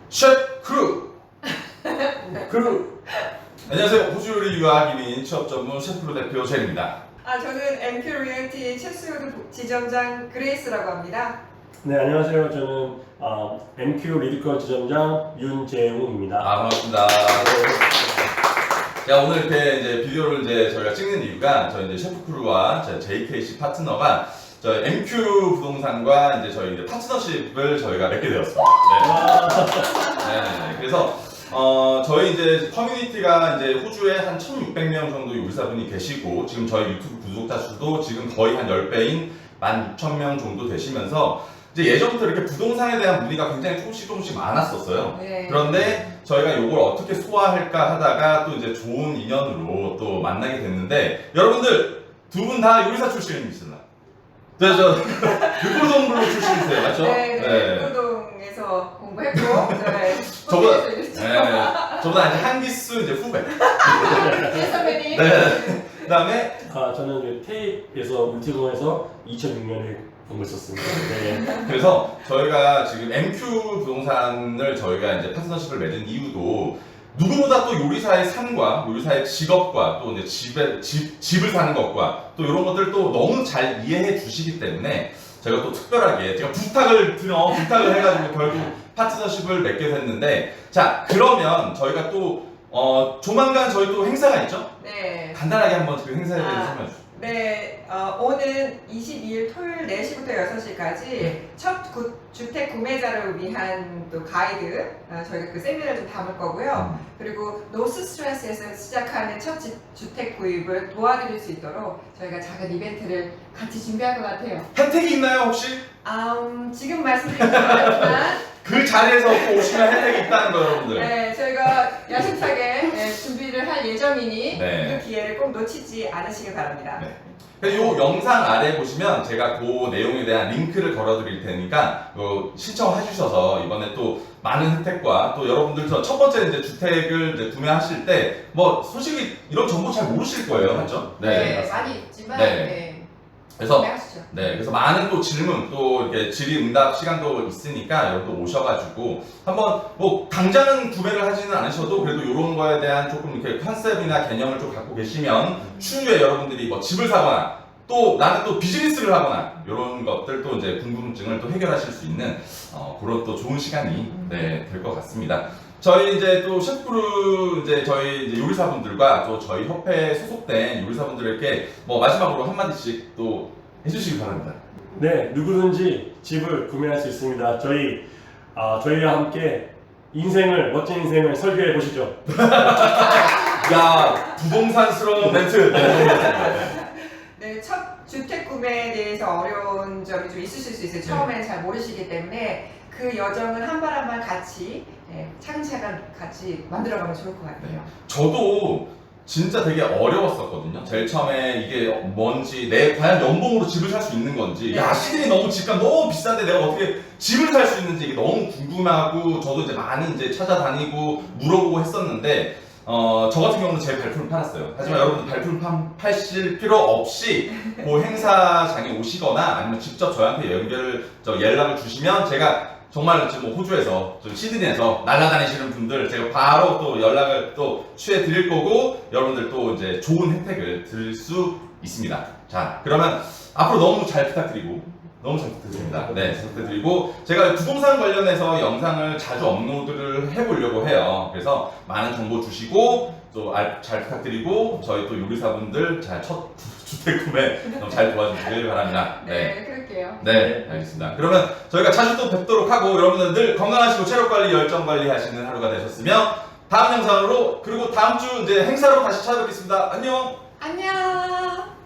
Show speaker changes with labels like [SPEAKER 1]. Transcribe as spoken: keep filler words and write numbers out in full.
[SPEAKER 1] 셰프 크루!
[SPEAKER 2] 그
[SPEAKER 1] 안녕하세요. 호주 요리 유학 이민 취업 전문 셰프로 대표 젤입니다.
[SPEAKER 3] 아, 저는 엠큐 리얼티 셰프요드 지점장 그레이스라고 합니다.
[SPEAKER 2] 네, 안녕하세요. 저는 어, 엠큐 리드컬 지점장 윤재웅입니다.
[SPEAKER 1] 아, 반갑습니다. 자, 오늘 이렇게 이제 비디오를 이제 저희가 찍는 이유가 저희 이제 셰프 크루와 제이케이씨 파트너가 저희 엠큐 부동산과 이제 저희 이제 파트너십을 저희가 맺게 되었습니다. 네. 네. 그래서 어, 저희 이제 커뮤니티가 이제 호주에 한 천육백 명 정도 요리사분이 계시고, 지금 저희 유튜브 구독자 수도 지금 거의 한 십 배인 만 육천 명 정도 되시면서, 이제 예전부터 이렇게 부동산에 대한 문의가 굉장히 조금씩 조금씩 많았었어요.
[SPEAKER 3] 네.
[SPEAKER 1] 그런데 저희가 이걸 어떻게 소화할까 하다가 또 이제 좋은 인연으로 또 만나게 됐는데, 여러분들 두 분 다 요리사 출신이시나? 저, 저, 육골동블로 출신이세요, 맞죠?
[SPEAKER 3] 네, 네. 육골동에서 공부했고, 네.
[SPEAKER 1] 저보다,
[SPEAKER 3] 호주에서
[SPEAKER 1] 네,
[SPEAKER 3] 일했죠.
[SPEAKER 1] 저보다 이제 한 기수 이제 후배.
[SPEAKER 3] 네, 선배님.
[SPEAKER 1] 네. 그 다음에,
[SPEAKER 2] 아, 저는 그 테이프에서 물티공에서 이천육 년에 공부했었습니다. 네.
[SPEAKER 1] 그래서 저희가 지금 엠큐 부동산을 저희가 이제 파트너십을 맺은 이유도 누구보다 또 요리사의 삶과 요리사의 직업과 또 이제 집에, 집, 집을 사는 것과 또 이런 것들 또 너무 잘 이해해 주시기 때문에 저희가 또 특별하게 제가 부탁을 드려 부탁을 해가지고 결국 파트너십을 맺게 됐는데, 자, 그러면 저희가 또 어, 조만간 저희 또 행사가 있죠?
[SPEAKER 3] 네.
[SPEAKER 1] 간단하게 한번 그 행사에 대해서
[SPEAKER 3] 아,
[SPEAKER 1] 설명해 주세요.
[SPEAKER 3] 네, 어, 오는 이십이일 토요일 네 시부터 여섯 시까지 첫 구, 주택 구매자를 위한 또 가이드, 어, 저희가 그 세미나를 좀 담을 거고요. 그리고 노스 스트레스에서 시작하는 첫 지, 주택 구입을 도와드릴 수 있도록 저희가 작은 이벤트를 같이 준비할 것 같아요.
[SPEAKER 1] 혜택이 있나요, 혹시?
[SPEAKER 3] 음, 지금 말씀드리지 않았지만
[SPEAKER 1] 그 자리에서 꼭 오시면 혜택이 있다는 거, 여러분들.
[SPEAKER 3] 네, 저희가 야심차게 네, 준비를 할 예정이니
[SPEAKER 1] 네.
[SPEAKER 3] 그 기회를 꼭 놓치지 않으시길 바랍니다.
[SPEAKER 1] 네. 이 영상 아래 보시면 제가 그 내용에 대한 링크를 걸어드릴 테니까 어, 신청해 주셔서 이번에 또 많은 혜택과 또 여러분들 첫 번째 이제 주택을 이제 구매하실 때 뭐 솔직히 이런 정보 잘 모르실 거예요, 맞죠?
[SPEAKER 3] 네, 많이 있지만
[SPEAKER 1] 네.
[SPEAKER 3] 네.
[SPEAKER 1] 그래서
[SPEAKER 3] 구매하시죠.
[SPEAKER 1] 네, 그래서 많은 또 질문, 또 이렇게 질의응답 시간도 있으니까 여러분 오셔가지고 한번 뭐 당장은 구매를 하지는 않으셔도 그래도 이런 거에 대한 조금 이렇게 컨셉이나 개념을 좀 갖고 계시면 추후에 여러분들이 뭐 집을 사거나 또 나는 또 비즈니스를 하거나 이런 것들 또 이제 궁금증을 또 해결하실 수 있는 어, 그런 또 좋은 시간이 네, 될 것 같습니다. 저희 이제 또 셰프크루 이제 저희 이제 요리사분들과 또 저희 협회에 소속된 요리사분들에게 뭐 마지막으로 한마디씩 또 해주시기 바랍니다.
[SPEAKER 2] 네, 누구든지 집을 구매할 수 있습니다. 저희 아, 저희와 함께 인생을 멋진 인생을 설계해 보시죠.
[SPEAKER 1] 야, 부동산스러운 멘트. 네.
[SPEAKER 3] 네, 첫 주택 구매에 대해서 어려운 점이 좀 있으실 수 있어요. 처음에는 잘 모르시기 때문에 그 여정을 한 발 한 발 같이 네, 차근차근 같이 만들어가면 좋을 것 같아요.
[SPEAKER 1] 저도 진짜 되게 어려웠었거든요. 제일 처음에 이게 뭔지, 내 과연 연봉으로 집을 살 수 있는 건지, 야, 시드니 너무 집값 너무 비싼데 내가 어떻게 집을 살 수 있는지 이게 너무 궁금하고, 저도 이제 많이 이제 찾아다니고 물어보고 했었는데, 어, 저 같은 경우는 제 발품을 팔았어요. 하지만
[SPEAKER 3] 네.
[SPEAKER 1] 여러분들 발품 파, 파실 필요 없이 그 행사장에 오시거나 아니면 직접 저한테 연결을, 저 연락을 주시면 제가 정말 지금 뭐 호주에서, 좀 시드니에서 날아다니시는 분들 제가 바로 또 연락을 또 취해 드릴 거고, 여러분들 또 이제 좋은 혜택을 드릴 수 있습니다. 자, 그러면 앞으로 너무 잘 부탁드리고, 너무 잘 부탁드립니다. 네, 잘 부탁드리고, 제가 부동산 관련해서 영상을 자주 업로드를 해보려고 해요. 그래서 많은 정보 주시고, 또 잘 부탁드리고, 저희 또 요리사분들 잘 첫 주택 구매 너무 잘 도와주시길 바랍니다.
[SPEAKER 3] 네, 그럴게요.
[SPEAKER 1] 네, 알겠습니다. 그러면 저희가 자주 또 뵙도록 하고, 여러분들 늘 건강하시고 체력 관리, 열정 관리 하시는 하루가 되셨으며, 다음 영상으로, 그리고 다음 주 이제 행사로 다시 찾아뵙겠습니다. 안녕!
[SPEAKER 3] 안녕!